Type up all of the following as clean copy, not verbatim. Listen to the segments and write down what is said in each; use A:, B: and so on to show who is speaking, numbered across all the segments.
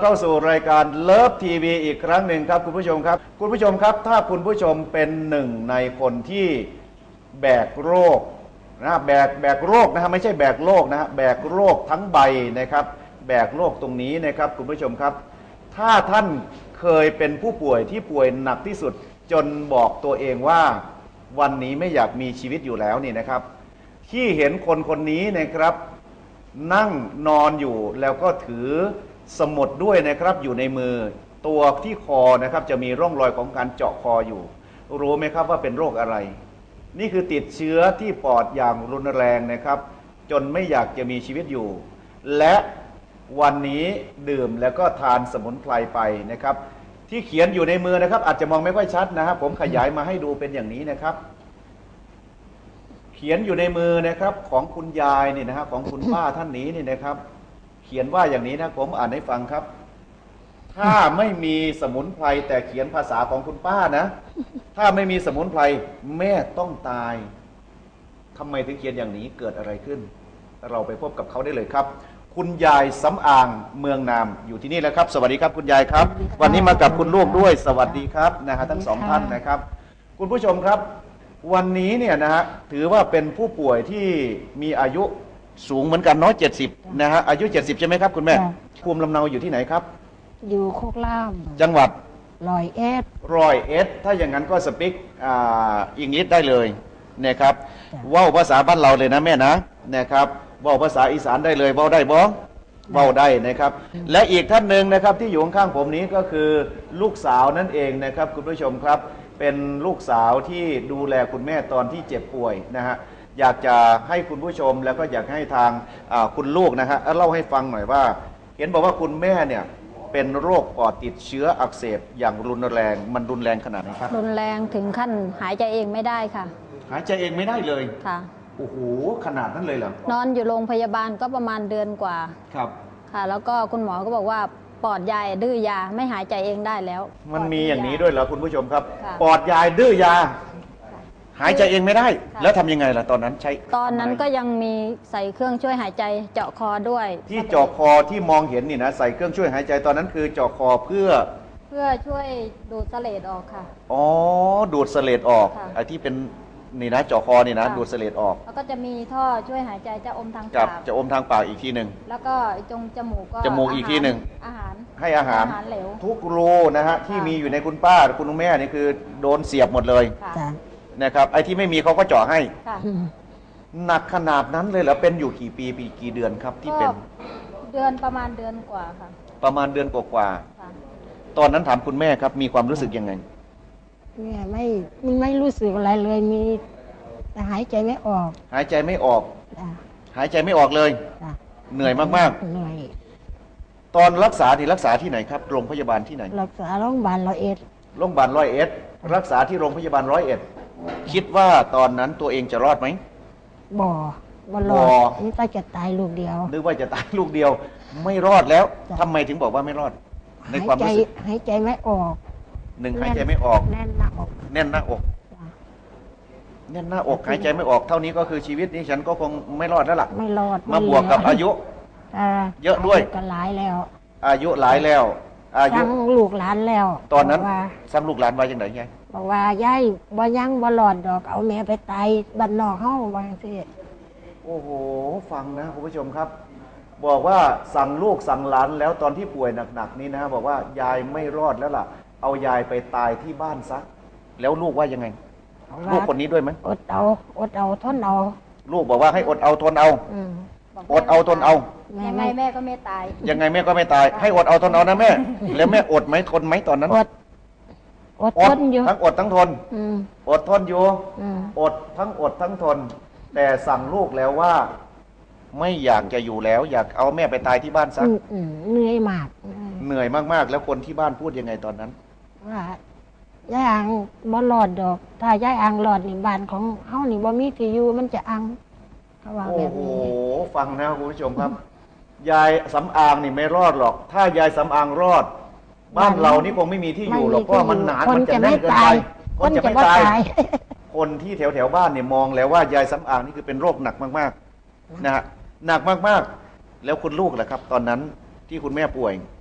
A: เข้าสู่รายการเลิฟทีวีอีกครั้งหนึ่งครับคุณผู้ชมครับคุณผู้ชมครับถ้าคุณผู้ชมเป็นหนึ่งในคนที่แบกโรคนะแบกโรคนะฮะไม่ใช่แบกโรคนะฮะแบกโรคทั้งใบนะครับแบกโรคตรงนี้นะครับคุณผู้ชมครับถ้าท่านเคยเป็นผู้ป่วยที่ป่วยหนักที่สุดจนบอกตัวเองว่าวันนี้ไม่อยากมีชีวิตอยู่แล้วนี่นะครับที่เห็นคนคนนี้นะครับนั่งนอนอยู่แล้วก็ถือสมุดด้วยนะครับอยู่ในมือตัวที่คอนะครับจะมีร่องรอยของการเจาะคออยู่รู้ไหมครับว่าเป็นโรคอะไรนี่คือติดเชื้อที่ปอดอย่างรุนแรงนะครับจนไม่อยากจะมีชีวิตอยู่และวันนี้ดื่มแล้วก็ทานสมุนไพรไปนะครับที่เขียนอยู่ในมือนะครับอาจจะมองไม่ค่อยชัดนะครับผมขยายมาให้ดูเป็นอย่างนี้นะครับเขียนอยู่ในมือนะครับของคุณยายนี่นะครับของคุณป้าท่านนี้นี่นะครับเขียนว่าอย่างนี้นะผมอ่านให้ฟังครับถ้าไม่มีสมุนไพรแต่เขียนภาษาของคุณป้านะถ้าไม่มีสมุนไพรแม่ต้องตายทำไมถึงเขียนอย่างนี้เกิดอะไรขึ้นเราไปพบกับเขาได้เลยครับคุณยายสำอางเมืองนามอยู่ที่นี่แล้วครับสวัสดีครับคุณยายครับวันนี้มากับคุณลูกด้วยสวัสดีครับนะฮะทั้งสองท่านนะครับคุณผู้ชมครับวันนี้เนี่ยนะฮะถือว่าเป็นผู้ป่วยที่มีอายุสูงเหมือนกันน้อย70นะฮะอายุ70ใช่ไหมครับคุณแม่ภูมิลำเนาอยู่ที่ไหนครับ
B: อยู่โคกล่าม
A: จังหวัด
B: 101
A: ถ้าอย่างนั้นก็สปิกอังกฤษได้เลยนะครับว่าวภาษาบ้านเราเลยนะแม่นะครับว่าวภาษาอีสานได้เลยว่าวได้บ่ว่าวได้นะครับและอีกท่านหนึ่งนะครับที่อยู่ข้างๆผมนี้ก็คือลูกสาวนั่นเองนะครับคุณผู้ชมครับเป็นลูกสาวที่ดูแลคุณแม่ตอนที่เจ็บป่วยนะฮะอยากจะให้คุณผู้ชมแล้วก็อยากให้ทางคุณลูกนะฮะเล่าให้ฟังหน่อยว่าเห็นบอกว่าคุณแม่เนี่ยเป็นโรคปอดติดเชื้ออักเสบอย่างรุนแรงมันรุนแรงขนาดไหนครับ
B: รุนแรงถึงขั้นหายใจเองไม่ได้ค่ะ
A: หายใจเองไม่ได้เลย
B: ค่ะ
A: โอ้โหขนาดนั้นเลยเหรอน
B: อนอยู่โรงพยาบาลก็ประมาณเดือนกว่า
A: ครับ
B: ค่ะแล้วก็คุณหมอก็บอกว่าปอดยายดื้อยาไม่หายใจเองได้แล้ว
A: มันมีอย่างนี้ด้วยเหรอคุณผู้ชมครับปอดยายดื้อยาหายใจเองไม่ได้แล้วทำยังไงล่ะตอนนั้นใช้
B: ตอนนั้นก็ยังมีใส่เครื่องช่วยหายใจเจาะคอด้วย
A: ที่เจาะคอที่มองเห็นนี่นะใส่เครื่องช่วยหายใจตอนนั้นคือเจาะคอเพื่อ
B: ช่วยดูดเสลดออกค่ะ
A: อ๋อดูดเสลดออกไอ้ที่เป็นนี่นะเจาะคอนี่นะดูดเสลดออก
B: แล้วก็จะมีท่อช่วยหายใจจะอมทางปาก
A: จะอมทางปากอีกทีหนึ่ง
B: แล้วก็จงจมูกก็
A: จมูกอีกทีหนึ่ง
B: อาหาร
A: ให้อาหาร
B: เหลว
A: ทุกรูนะฮะที่มีอยู่ในคุณป้าคุณแม่นี่คือโดนเสียบหมดเลยนะครับไอ้ที่ไม่มีเขาก็เจาะให้หนักขนาดนั้นเลยเหรอเป็นอยู่กี่ปีกี่เดือนครับที่เป็น
B: ประมาณเดือนกว่าค่ะ
A: ประมาณเดือนกว่าตอนนั้นถามคุณแม่ครับมีความรู้สึกยังไง
B: แม่ไม่รู้สึกอะไรเลยมีแต่หายใจไม่ออก
A: หายใจไม่ออกหายใจไม่ออกเลยเหนื่อยมาก
B: ๆเหนื่อย
A: ตอนรักษาที่ไหนครับโรงพยาบาลที่ไหน
B: รักษาโรงพยาบาล101
A: โรงพยาบาล101รักษาที่โรงพยาบาล101คิดว่าตอนนั้นตัวเองจะรอดไหม
B: บ่รอดนึกว่าจะตายลูกเดียว
A: นึกว่าจะตายลูกเดียวไม่รอดแล้วทำไมถึงบอกว่าไม่รอดในความรู้สึก
B: หายใจไม่ออก
A: หายใจไม่ออก
B: แน่นหน้าอก
A: แน่นหน้าอกหายใจไม่ออกเท่านี้ก็คือชีวิตนี้ฉันก็คงไม่รอดแล้วล่ะ
B: ไม่รอด
A: มาบวกกับอายุเยอะด้วย
B: ก็หลายแล้ว
A: อายุหลายแล้วอายุ
B: สั่งลูกหลานแล้ว
A: ตอนนั้นสั่งลูกหลานว่าอย่างไรไง
B: บอกว่ายายบ่ยังบ่หลอดดอกเอาแม่ไปตายบ้านนอกเฮาว่าจังซี่
A: โอ้โหฟังนะคุณผู้ชมครับบอกว่าสั่งลูกสั่งหลานแล้วตอนที่ป่วยหนักๆนี้นะบอกว่ายายไม่รอดแล้วล่ะเอายายไปตายที่บ้านซะแล้วลูกว่ายังไงลูกคนนี้ด้วยไหม
B: อดเอาทนเอา
A: ลูกบอกว่าให้อดเอาทนเอาอดเอาทนเอา
B: ยังไงแม่ก็ไม่ตาย
A: ยังไงแม่ก็ไม่ตายให้อดเอาทนเอานะแม่แล้วแม่อดไหมทนไหมตอนนั้น
B: อดทนอยู่
A: ทั้งอดทั้งทนอดทนอยู่อดทั้งทนแต่สั่งลูกแล้วว่าไม่อยากจะอยู่แล้วอยากเอาแม่ไปตายที่บ้านซะ
B: เหนื่อยมาก
A: เหนื่อยมากๆแล้วคนที่บ้านพูดยังไงตอนนั้น
B: ว่ายายอังบ่หลอดดอกถ้ายายอังหลอดนี่บ้านของเฮานี่บ่มีที่อยู่มันจะอังเขาว่าแบบนี้
A: โอ้โหฟังนะคุณผู้ชมครับยายสำอางนี่ไม่รอดหรอกถ้ายายสำอางรอดบ้านเรานี่คงไม่มีที่อยู่หรอกเพราะมันหนามันจะแน่นเกินไปคนจะไม่ตายคนที่แถวบ้านเนี่ยมองแล้วว่ายายสำอางนี่คือเป็นโรคหนักมากๆนะฮะหนักมากๆแล้วคุณลูกล่ะครับตอนนั้นที่คุณแม่ป่วย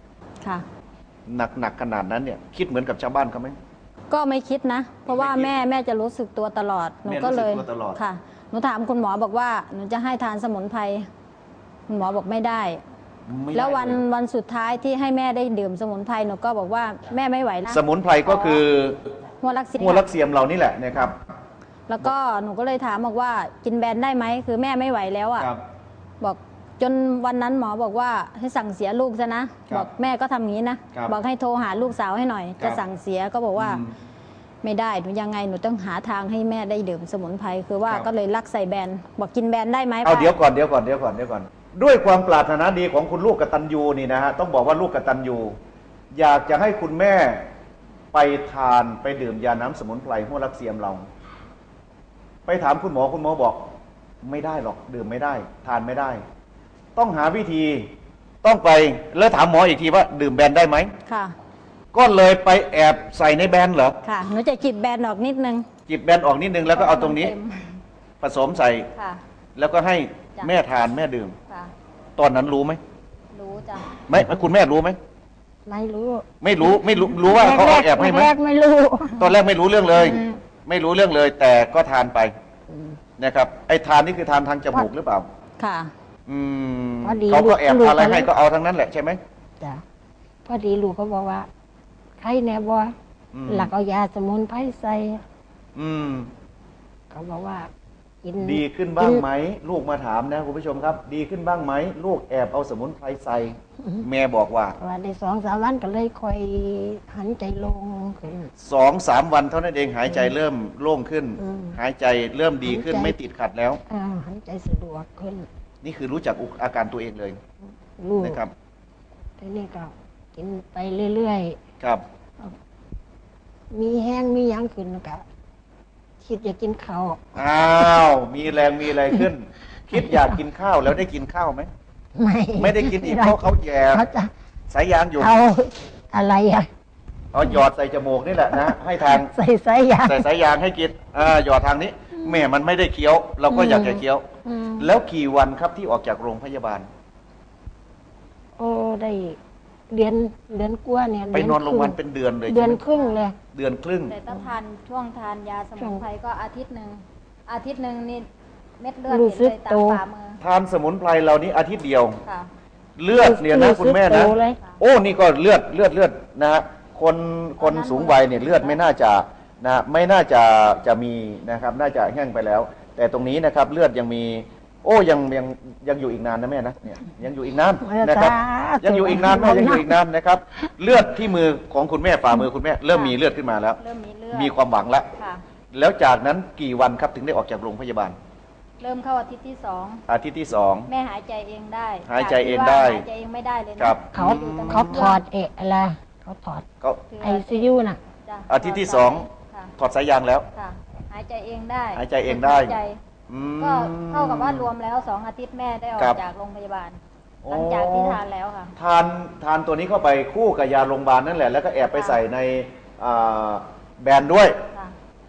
C: ค่ะ
A: หนักขนาดนั้นเนี่ยคิดเหมือนกับชาวบ้านเขาไหม
C: ก็ไม่คิดนะ เพราะว่า
A: ไม่คิด
C: แม่จะรู้สึกตัวตลอดหนู
A: แม่
C: ก็เลย
A: รู้สึกตัวตลอด
C: ค่ะหนูถามคุณหมอบอกว่าหนูจะให้ทานสมุนไพรคุณหมอบอกไม่ได้
A: ไม่ได้
C: แล้ววัน
A: เย
C: วันสุดท้ายที่ให้แม่ได้ดื่มสมุนไพรหนูก็บอกว่าแม่ไม่ไหวแล้ว
A: สมุนไพรก็คือ
C: หัวลักษิณ
A: หัวลักเสียมเรานี่แหละนะครับ
C: แล้วก็หนูก็เลยถามบอกว่ากินแบนได้ไหมคือแม่ไม่ไหวแล้วอ่ะ
A: ครับ
C: บอกจนวันนั้นหมอบอกว่าให้สั่งเสียลูกซะนะ
A: ครับ
C: บอกแม่ก็ทำงี้นะ
A: ครับ
C: บอกให้โทรหาลูกสาวให้หน่อย
A: ครับ
C: จะสั่งเสียก็บอกว่า
A: อืม
C: ไม่ได้หนูยังไงหนูต้องหาทางให้แม่ได้ดื่มสมุนไพรคือว่า
A: ครับ
C: ก็เลยลักใส่แบนบอกกินแบนได้ไหม
A: เอา
C: ป้า
A: เดี๋ยวก่อนด้วยความปรารถนาดีของคุณลูกกตัญญูนี่นะฮะต้องบอกว่าลูกกตัญญูอยากจะให้คุณแม่ไปทานไปดื่มยาน้ำสมุนไพรหัวลักเสียมเรา ไปถามคุณหมอบอกไม่ได้หรอกดื่มไม่ได้ ทานไม่ได้ ต้องหาวิธีต้องไปแล้วถามหมออีกทีว่าดื่มแบนได้ไหม
C: ค่ะ
A: ก็เลยไปแอบใส่ในแบนเหรอ
C: ค่ะหนูจะจิบแบนออกนิดนึง
A: จิบแบนออกนิดนึงแล้วก็เอาตรงนี้
C: เต็ม
A: ผสมใส่
C: ค่ะ
A: แล้วก็ให้
C: จ้ะ
A: แม่ทานแม่ดื่ม
C: ค่ะ
A: ตอนนั้นรู้ไหม
C: รู้จ้ะ
A: ไม่คุณแม่รู้ไหม
B: ไม่รู้
A: ไม่รู้ว่าเขาเอาแอบให้ไหม
B: แรกๆไม่รู้
A: ตอนแรกไม่รู้เรื่องเลย
B: อืม
A: ไม่รู้เรื่องเลย แต่ก็ทานไปนะครับไอ้ทานนี่คือทานทางจมูกหรือเปล่า
C: ค่ะ
A: อืม
B: พอดี
A: เขาก็แอบ
B: ลูก
A: ทานอะไร
B: ตอนนั้
A: ให้
B: น
A: ก็เอาทั้งนั้นแหละใช่ไหม
B: จ้ะพอดีลูกก็บอกว่าใครแน่บ่
A: อืม
B: หลักเอายาสมุนไพรใส่
A: อืม
B: เขาบอกว่ากิน
A: ดีขึ้นบ้างไหมลูกมาถามนะคุณผู้ชมครับ ดีขึ้นบ้างไหมลูกแอบเอาสมุนไพรใส่แม่บอกว่า
B: ว่าได้2-3 วันก็เลยค่อยหันใจลงขึ้น
A: 2-3 วันเท่านั้นเองหายใจเริ่มโล่งขึ้น
B: อืม
A: หายใจเริ่มดีขึ้น
B: หายใจ
A: ไม่ติดขัดแล้ว
B: หันใจสะดวกขึ้น
A: นี่คือรู้จักอาการตัวเองเลย
B: ลูก
A: นะครับ
B: ทีนี้ก็กินไปเรื่อย
A: ครับ
B: ๆมีแห้งมีหยังขึ้นก็คิดอยากกินข้าว
A: อ้าว มีแรงมีอะไรขึ้น คิดอยากกินข้าวแล้วได้กินข้าวไหม ไม่ได้กินอีกเพราะเขาแย่
B: เขาจะ
A: สายยางอยู่
B: เอาอะไรอะ
A: เอาหยอดใส่จมูกนี่แหละนะให้ทาง
B: ใส่สายยาง
A: ใส่สายยางให้กินหยอดทางนี้แม่มันไม่ได้เคี้ยว เราก็อยากจะเคี้ยว
B: อืม
A: แล้วกี่วันครับที่ออกจากโรงพยาบาล
B: โอ้ได้เดือนกว่าเนี่ย
A: ไปนอนโรงพยาบาล
B: เดื
A: เป็นเดือนเลย
B: เดือน
A: ใช่ไหม
B: ครึ่งเลย
A: เดือนครึ่ง
C: แต่ถ้าทานช่วงทานยาสมุนไพรก็อาทิตย์หนึ่งนี่เม็ดเลือด
B: รู้
C: เห็น
B: สึก
C: เลยตา
B: โต
C: มฝ่ามือ
A: ทานสมุนไพรเหล่านี้อาทิตย์เดียว
C: ค่ะ
A: เลือดเนี่ยนะคุณแม่นะ
B: รู้สึกโตเลย
A: โอ้นี่ก็เลือดนะฮะคนสูงวัยเนี่ยเลือดไม่น่าจะนะไม่น่าจะมีนะครับ น่าจะแห้งไปแล้ว แต่ตรงนี้นะครับเลือดยังมี โอ้ยังอยู่อีกนานนะแม่นะเนี่ยยังอยู่อีกนานนะครับ ยังอยู่อีกนานแม่ยังอยู่อีกนานนะครับ เลือดที่มือของคุณแม่ฝ่ามือคุณแม่เริ่มมีเลือดขึ้นมาแล้ว
C: เริ่มมีเลือด
A: มีความหวังแล้ว
C: ค่ะ
A: แล้วจากนั้นกี่วันครับถึงได้ออกจากโรงพยาบาล
C: เริ่มเข้าอาทิตย์ที่สอง
A: อาทิตย์ที่สอง
C: แม่หายใจเองได้
A: หายใจเองได้
C: จากที่ว่าหายใจเองไม่ได้เลยนะครับ
B: เขา
C: อยู่แต่
B: เขาถอดอะไรเขาถอด
A: ก็
C: คือ
B: ไอซียูน่ะ
C: จ้ะ
A: อาทิตย์ที่สอง
C: ค่ะ
A: ถอดสายยางแล้ว
C: ค่ะ หายใจเองได้
A: หายใจเองได้
C: หายใจ
A: อืม
C: ก็เท่ากับว่ารวมแล้ว2 อาทิตย์แม่ได้ออ
A: ครั
C: ก
A: บ
C: จากโรงพยาบาล
A: โอ้
C: หลังจากที่ทานแล้วค่ะ
A: ทานตัวนี้เข้าไปคู่กับยาโรงพยาบาลนั่นแหละ แล้วก็แอบไปใส่ในอ่าแบรนด์ด้วย
C: ค่ะ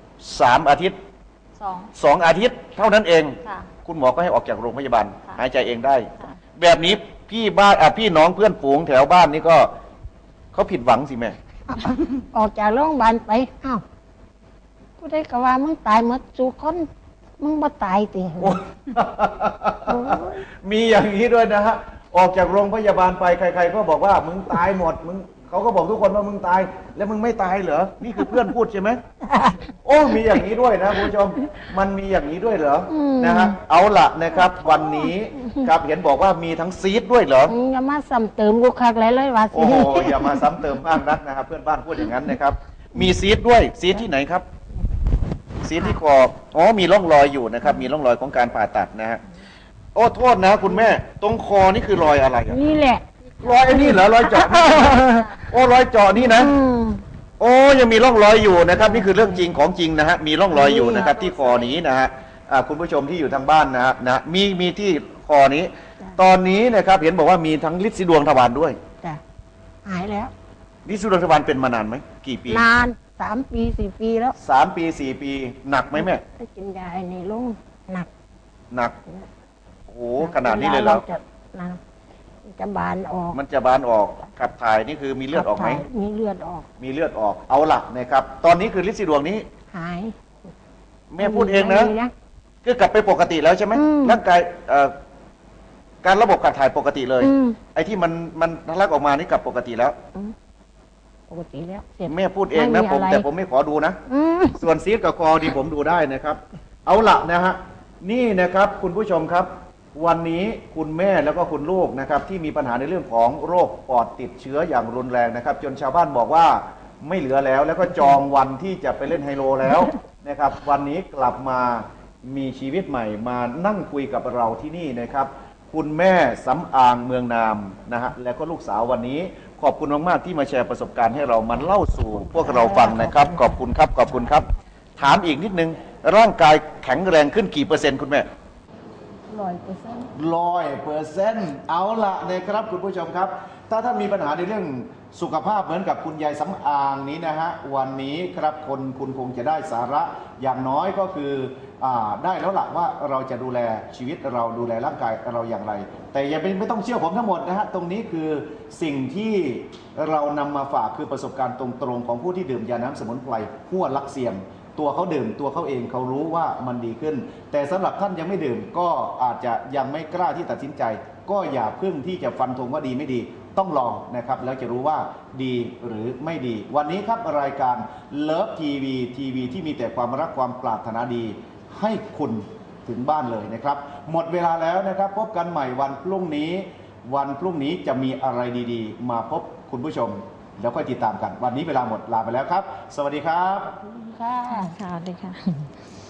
A: 3 อาทิตย์
C: 2
A: 2 อาทิตย์เท่านั้นเอง
C: ค่ะ
A: คุณหมอก็ให้ออกจากโรงพยาบาล
C: ค่ะ
A: หายใจเองได้
C: ค่ะ
A: แบบนี้พี่น้องเพื่อนฝูงแถวบ้านนี่ก็เขาผิดหวังสิแม่
B: ออกจากโรงพยาบาลไปอ้าวผู้ใดก็ว่ามึงตายหมดสู่คนมึงบ่ตายติ
A: โอ้
B: โอ้ย
A: มีอย่างนี้ด้วยนะฮะ ออกจากโรงพยาบาลไปใครๆก็บอกว่ามึงตายหมดเขาก็บอกทุกคนว่ามึงตาย แล้วมึงไม่ตายเหรอ นี่คือเพื่อนพูดใช่ไหม โอ้ มีอย่างนี้ด้วยนะคุณผู้ชม มันมีอย่างนี้ด้วยเหรอ นะฮะ เอาละนะครับ วันนี้ครับเห็นบอกว่ามีทั้งซีดด้วยเหรอ
B: มึงอย่ามาซ้ำเติมกูคักเลยว่าสิ
A: โอ้โห อย่ามาซ้ำเติมมากนักนะครับ เพื่อนบ้านพูดอย่างนั้นนะครับ มีซีดด้วย ซีดที่ไหนครับ ซีดที่คอ อ๋อ มีร่องรอยอยู่นะครับ มีร่องรอยของการผ่าตัดนะฮะ โอ้ โทษนะคุณแม่ ตรงคอนี่คือรอยอะไรอะ
B: นี่แหละ
A: รอยไอ้นี่เหรอ รอยเจาะ โอ้ รอยเจาะนี่นะ
B: อืม
A: โอ้ยังมีร่องรอยอยู่นะครับ นี่คือเรื่องจริงของจริงนะฮะมีร่องรอยอยู่นะครับ ที่คอนี้นะฮะคุณผู้ชมที่อยู่ทางบ้านนะฮะมีที่คอนี้ ตอนนี้นะครับเห็นบอกว่ามีทั้งฤทธิ์สีดวงทวารด้วย
B: จ้ะหายแล้ว
A: ฤทธิ์สีดวงทวารเป็นมานานไหมกี่ปี
B: นาน3 ปี 4 ปีแล้ว
A: 3 ปี 4 ปีหนักไหมแม่
B: ถ้ากินยาไอ้นี่ลงหนัก
A: หนักโอ้โหขนาดนี้เลยเหรอ
B: จะนะจะบานออก
A: มันจะบานออกขับถ่ายนี่คือมีเลือดออกไหม
B: ขับถ่ายมีเลือดออก
A: มีเลือดออกเอาหลักนะครับ ตอนนี้คือลินสีดวงนี้
B: หาย
A: แม่พูดเองนะ
B: ไม่มี
A: คือกลับไปปกติแล้วใช่ไหม
B: อืม
A: ร่างกายการระบบขับถ่ายปกติเลย
B: อืม
A: ไอ้ที่มันทะลักออกมานี่กลับปกติแล้ว
B: ปกติแล้วเสร็จ
A: แม่พูดเองนะ
B: ไม่มี
A: ผม
B: อะไร
A: แต่ผมไม่ขอดูนะ
B: อืม
A: ส่วนซีดกับคอดีผมดูได้นะครับ เอาละนะฮะนี่นะครับคุณผู้ชมครับ วันนี้คุณแม่แล้วก็คุณลูกนะครับ ที่มีปัญหาในเรื่องของโรคปอดติดเชื้ออย่างรุนแรงนะครับ จนชาวบ้านบอกว่าไม่เหลือแล้ว แล้วก็จองวันที่จะไปเล่นไฮโลแล้วนะครับ วันนี้กลับมามีชีวิตใหม่มานั่งคุยกับเราที่นี่นะครับ คุณแม่สำอางเมืองนามนะฮะและก็ลูกสาววันนี้ ขอบคุณมากๆที่มาแชร์ประสบการณ์ให้เรามันเล่าสู่พวกเราฟังนะครับ ขอบคุณครับขอบคุณครับ ถามอีกนิดนึงร่างกายแข็งแรงขึ้นกี่เปอร์เซ็นต์คุณแม่
B: 100%
A: 100%เอาละนะครับคุณผู้ชมครับ ถ้าท่านมีปัญหาในเรื่องสุขภาพเหมือนกับคุณยายสำอางนี้นะฮะวันนี้ครับคุณคงจะได้สาระอย่างน้อยก็คือได้แล้วล่ะว่าเราจะดูแลชีวิตเราดูแลร่างกายเราอย่างไร แต่อย่าไม่ต้องเชื่อผมทั้งหมดนะฮะตรงนี้คือสิ่งที่เรานำมาฝากคือประสบการณ์ตรงๆของผู้ที่ดื่มยาน้ำสมุนไพรหัวลักเซียม ตัวเขาดื่มตัวเขาเองเขารู้ว่ามันดีขึ้น แต่สำหรับท่านยังไม่ดื่มก็อาจจะยังไม่กล้าที่ตัดสินใจ ก็อย่าเพิ่งที่จะฟันธงว่าดีไม่ดี ต้องลองนะครับแล้วจะรู้ว่าดีหรือไม่ดี วันนี้ครับรายการเลิฟทีวีที่มีแต่ความรักความปรารถนาดี ให้คุณถึงบ้านเลยนะครับ หมดเวลาแล้วนะครับ พบกันใหม่วันพรุ่งนี้ วันพรุ่งนี้จะมีอะไรดีๆ มาพบคุณผู้ชม แล้วค่อยติดตามกัน วันนี้เวลาหมดลาไปแล้วครับ สวัสดีครับ
B: ค่ะ
C: ค่ะสวัสดีค่ะ